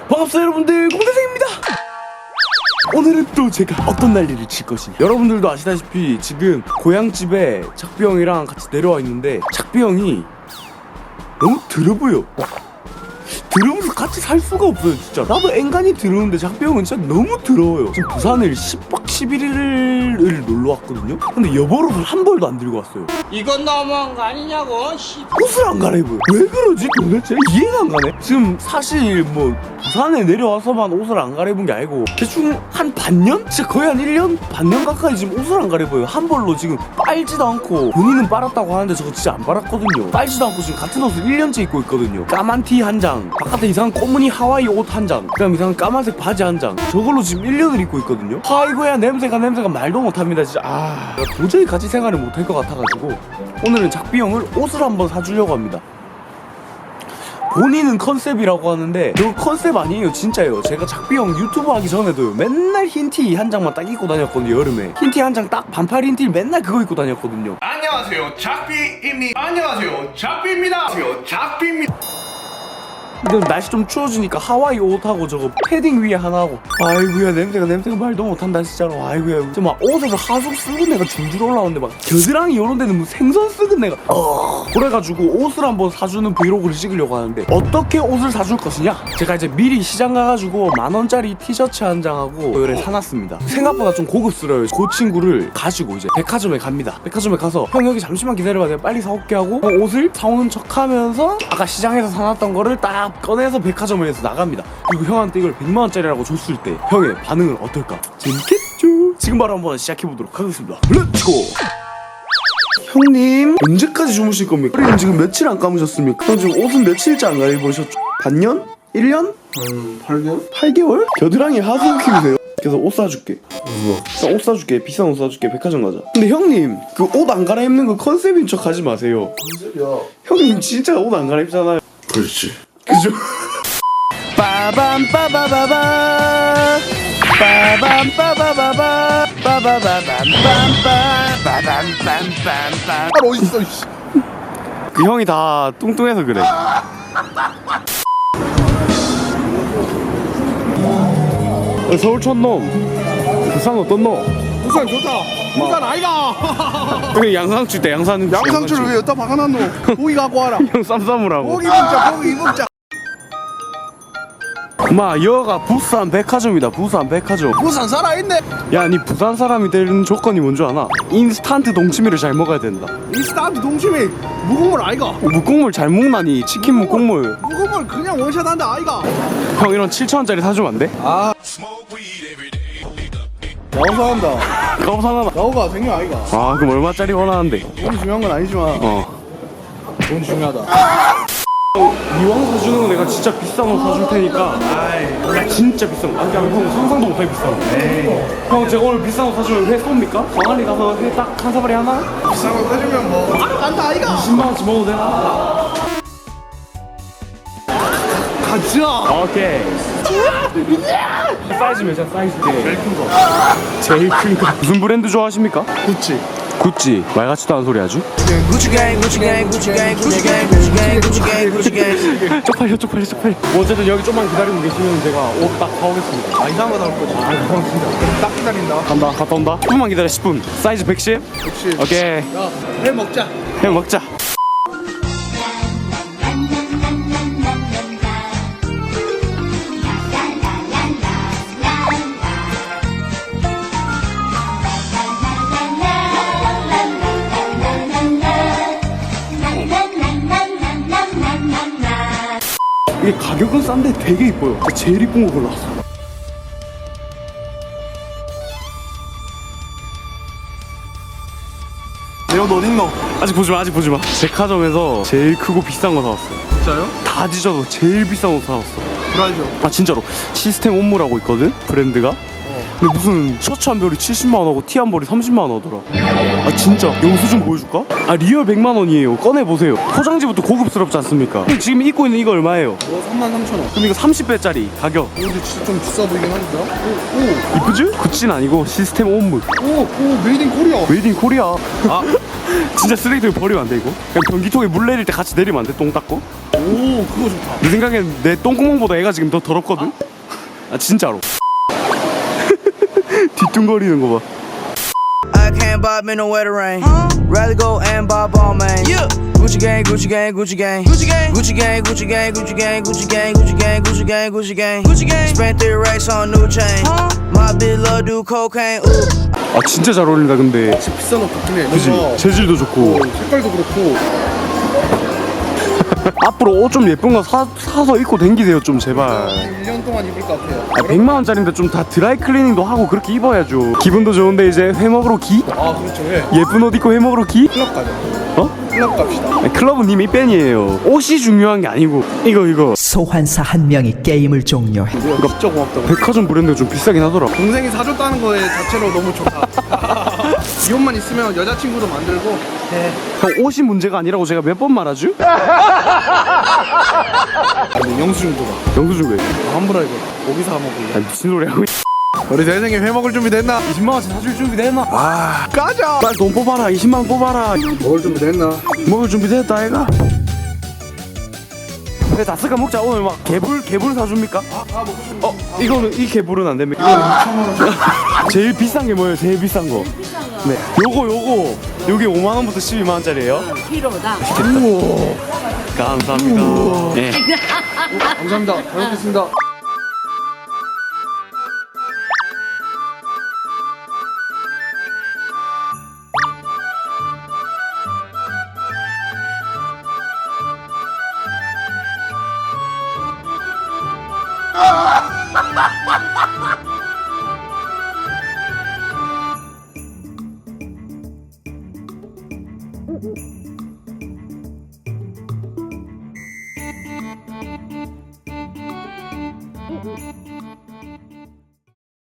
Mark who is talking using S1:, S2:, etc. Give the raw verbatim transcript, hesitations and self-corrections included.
S1: 반갑습니다 여러분들, 공대생입니다. 오늘은 또 제가 어떤 난리를 칠 것인지. 여러분들도 아시다시피 지금 고향집에 작비 형이랑 같이 내려와 있는데 작비 형이 너무 더러워요. 더러워서 같이 살 수가 없어요. 진짜 나도 앵간히 더러운데 작비 형은 진짜 너무 더러워요. 지금 부산을 십 박 십일 일을 놀러 왔거든요. 근데 여벌옷을 한 벌도 안 들고 왔어요.
S2: 이건 너무한 거 아니냐고. 씨.
S1: 옷을 안 갈아입어요. 왜 그러지 도대체? 이해가 안 가네. 지금 사실 뭐 부산에 내려와서만 옷을 안 갈아입은 게 아니고 대충 한 반년? 진짜 거의 한 일 년? 반년 가까이 지금 옷을 안 갈아입어요. 한 벌로 지금 빨지도 않고, 본인은 빨았다고 하는데 저거 진짜 안 빨았거든요. 빨지도 않고 지금 같은 옷을 일 년째 입고 있거든요. 까만 티 한 장, 바깥에 이상한 꼬무니 하와이 옷 한 장, 그다음 이상한 까만색 바지 한 장, 저걸로 지금 일 년을 입고 있거든요. 아이고야, 냄새가 냄새가 말도 못합니다 진짜. 아, 도저히 같이 생활을 못할 것 같아가지고 오늘은 작비 형을 옷을 한번 사주려고 합니다. 본인은 컨셉이라고 하는데 그 컨셉 아니에요. 진짜예요. 제가 작비 형 유튜브 하기 전에도요, 맨날 흰 티 한 장만 딱 입고 다녔거든요. 여름에 흰 티 한 장 딱 반팔 흰 티 맨날 그거 입고 다녔거든요.
S3: 안녕하세요, 작비입니다. 안녕하세요, 작비입니다. 안녕하세요, 작비입니다.
S1: 근데 날씨 좀 추워지니까 하와이 옷하고 저거 패딩 위에 하나 하고, 아이고야 냄새가 냄새가 말도 못한다 진짜로. 아이고야, 진짜 막 옷에서 하숙 썩은 내가 줄줄 올라오는데 막 겨드랑이 요런 데는 뭐 생선 썩은 내가 어. 그래가지고 옷을 한번 사주는 브이로그를 찍으려고 하는데 어떻게 옷을 사줄 것이냐, 제가 이제 미리 시장 가가지고 만원짜리 티셔츠 한 장하고 요래 사놨습니다. 생각보다 좀 고급스러워요. 그 친구를 가지고 이제 백화점에 갑니다. 백화점에 가서 형 여기 잠시만 기다려봐, 내가 빨리 사올게 하고 어, 옷을 사오는 척하면서 아까 시장에서 사놨던 거를 딱 꺼내서 백화점에서 나갑니다. 그리고 형한테 이걸 백만 원짜리라고 줬을 때 형의 반응은 어떨까? 재밌겠죠? 지금 바로 한번 시작해보도록 하겠습니다. 렛츠고! 형님, 언제까지 주무실 겁니까? 형님 지금 며칠 안 감으셨습니까? 형 지금 옷은 며칠째 안 갈아입으셨죠? 반년? 일 년?
S4: 한 팔 개월?
S1: 팔 개월? 겨드랑이 하수 키우세요? 그래서 옷 사줄게. 나 옷 사줄게. 비싼 옷 사줄게. 백화점 가자. 근데 형님, 그 옷 안 갈아입는 거 컨셉인 척 하지 마세요.
S4: 컨셉이야.
S1: 형님 진짜 옷 안 갈아입잖아요.
S4: 그렇지.
S1: 그죠? 빠밤 빠바바바 빠밤 빠바바바 빠바바밤빰빰 빠밤빰빰빰.
S4: 아 어딨어 이씨.
S1: 그 형이 다 뚱뚱해서 그래. 서울 촌놈, 부산 어떤 놈?
S4: 부산 좋다. 부산 아이가.
S1: 그 양상추 때 양산
S4: 양상추를 왜 여기다 박아놨노? 고기 갖고 와라.
S1: 형 쌈싸무라고.
S4: 고기 먹자. 고기 먹자.
S1: 마, 여가 부산 백화점이다. 부산 백화점.
S4: 부산 살아있네.
S1: 야, 니 부산 사람이 되는 조건이 뭔 줄 아나? 인스턴트 동치미를 잘 먹어야 된다.
S4: 인스턴트 동치미 무국물 아이가.
S1: 묵국물 잘 먹나니? 치킨 묵국물.
S4: 무국물 그냥 원샷한다 아이가.
S1: 형 이런 칠천 원짜리 사주면 안 돼?
S4: 아. 나오사 한다.
S1: 가오 사나?
S4: 나오가 생겨 아이가.
S1: 아, 그럼 얼마짜리 원하는데?
S4: 돈이 중요한 건 아니지만
S1: 어.
S4: 돈이 중요하다.
S1: 이왕 사주는 거 내가 진짜 비싼 거 사줄 테니까. 아이, 야 진짜 비싼 거. 아니, 형 상상도 못할 비싼 거. 에이. 형 제가 오늘 비싼 거 사주면 회 쏩니까? 광안리 가서 회 딱 한 사발이 하나?
S4: 비싼 거 사주면 뭐 바로 간다 아이가.
S1: 십만 원치 먹어도 되나?
S4: 가자.
S1: 오케이. 사이즈 몇이야? 사이즈 제일 큰 거. 제일 큰 거. 무슨 브랜드 좋아하십니까?
S4: 그치.
S1: 구찌. 말 같지도 않은 소리 하죠?
S2: 구찌 갱, 구찌 갱, 구찌 갱, 구찌 갱, 구찌 갱, 구찌 갱, 구찌 갱.
S1: 쪽팔려 쪽팔려 쪽팔려. 뭐 어쨌든 여기 좀만 기다리고 계시면 제가 옷 딱 사오겠습니다.
S4: 아 이상한 거 나올 거지.
S1: 아, 형 진짜.
S4: 그럼 딱 기다린다.
S1: 간다. 갔다 온다. 십 분만 기다려. 십 분. 사이즈 백십?
S4: 역시.
S1: 오케이.
S4: 야회 먹자.
S1: 해 먹자. 이게 가격은 싼데 되게 이뻐요. 제일 이쁜 거 골랐어.
S4: 내 옷 어딨노?
S1: 아직 보지 마, 아직 보지 마. 백화점에서 제일 크고 비싼 거 사왔어.
S4: 진짜요?
S1: 다 뒤져도 제일 비싼 거 사왔어.
S4: 브라이저.
S1: 아 진짜로. 시스템 온무라고 있거든, 브랜드가. 근데 무슨 셔츠 한 벌이 칠십만 원하고 티 한 벌이 삼십만 원 하더라. 아 진짜 영수증 보여줄까? 아 리얼 백만 원이에요. 꺼내보세요. 포장지부터 고급스럽지 않습니까? 근데 지금 입고 있는 이거 얼마예요?
S4: 어 삼만 삼천 원.
S1: 그럼 이거 삼십 배짜리 가격.
S4: 근데 진짜 좀 비싸 보이긴 한다. 오,
S1: 이쁘지? 구찌는 아니고 시스템 온무.
S4: 오, 오, 오, 메이드 인 코리아.
S1: 메이드 인 코리아. 아 진짜 쓰레기통에 버리면 안 돼 이거? 그냥 변기통에 물 내릴 때 같이 내리면 안 돼? 똥 닦고?
S4: 오, 오 그거 좋다.
S1: 내 생각엔 내 똥구멍보다 애가 지금 더 더럽거든? 아 진짜로. 뒤뚱거리는 거 봐.
S2: I can't bob me no wetter rain. Rather go and bob all man. Yeah. Gucci gang, Gucci gang, Gucci gang, Gucci gang, Gucci gang, Gucci gang, Gucci gang, Gucci gang, Gucci gang, Gucci gang, Gucci gang, Gucci gang. Spent three racks on new chain. My bitch love do cocaine. Ooh.
S1: 아 진짜 잘 어울린다 근데.
S4: 진짜 비싼 옷 같긴 해.
S1: 그지?
S4: 뭔가
S1: 재질도 좋고.
S4: 어, 색깔도 그렇고.
S1: 앞으로 옷 좀 예쁜 거 사, 사서 입고 댕기세요 좀 제발.
S4: 일 년 동안 입을 것 같아요.
S1: 아, 백만 원짜리인데 좀 다 드라이 클리닝도 하고 그렇게 입어야죠. 기분도 좋은데 이제 회 먹으러 기?
S4: 아 그렇죠. 예.
S1: 예쁜 옷 입고 회 먹으러 기?
S4: 클럽 가자.
S1: 어?
S4: 클럽 갑시다.
S1: 아니, 클럽은 이미 팬이에요. 옷이 중요한 게 아니고 이거 이거
S5: 소환사 한 명이 게임을 종료해.
S4: 이거 진짜 고맙다.
S1: 백화점 브랜드가 좀 비싸긴 하더라.
S4: 동생이 사줬다는 거에 자체로 너무 좋다. 이 옷만 있으면 여자친구도 만들고.
S1: 형 옷이 문제가 아니라고 제가 몇 번 말하죠?
S4: 아니 영수증도 봐.
S1: 영수증 왜?
S4: 아, 환불하 이거. 고기사 먹을래.
S1: 아니 미친 소리 하고
S4: 우리 대생이 회 먹을 준비 됐나?
S1: 이십만 원치 사줄 준비 됐나?
S4: 아 가자.
S1: 빨리 돈 뽑아라. 이십만 원 뽑아라.
S4: 먹을 준비 됐나?
S1: 먹을 준비 됐다 아이가. 그래 다스가 먹자. 오늘 막 개불 개불 사줍니까?
S4: 아 먹고 싶은 거.
S1: 어 이거는 이 개불은 안 됩니까? 이거는 제일 비싼 게 뭐예요? 제일 비싼 거. 네. 요거 요거 요게 오만 원부터 십이만 원짜리예요.
S6: 키로다.
S1: 우와. 감사합니다. 네.
S4: 감사합니다. 잘 먹겠습니다.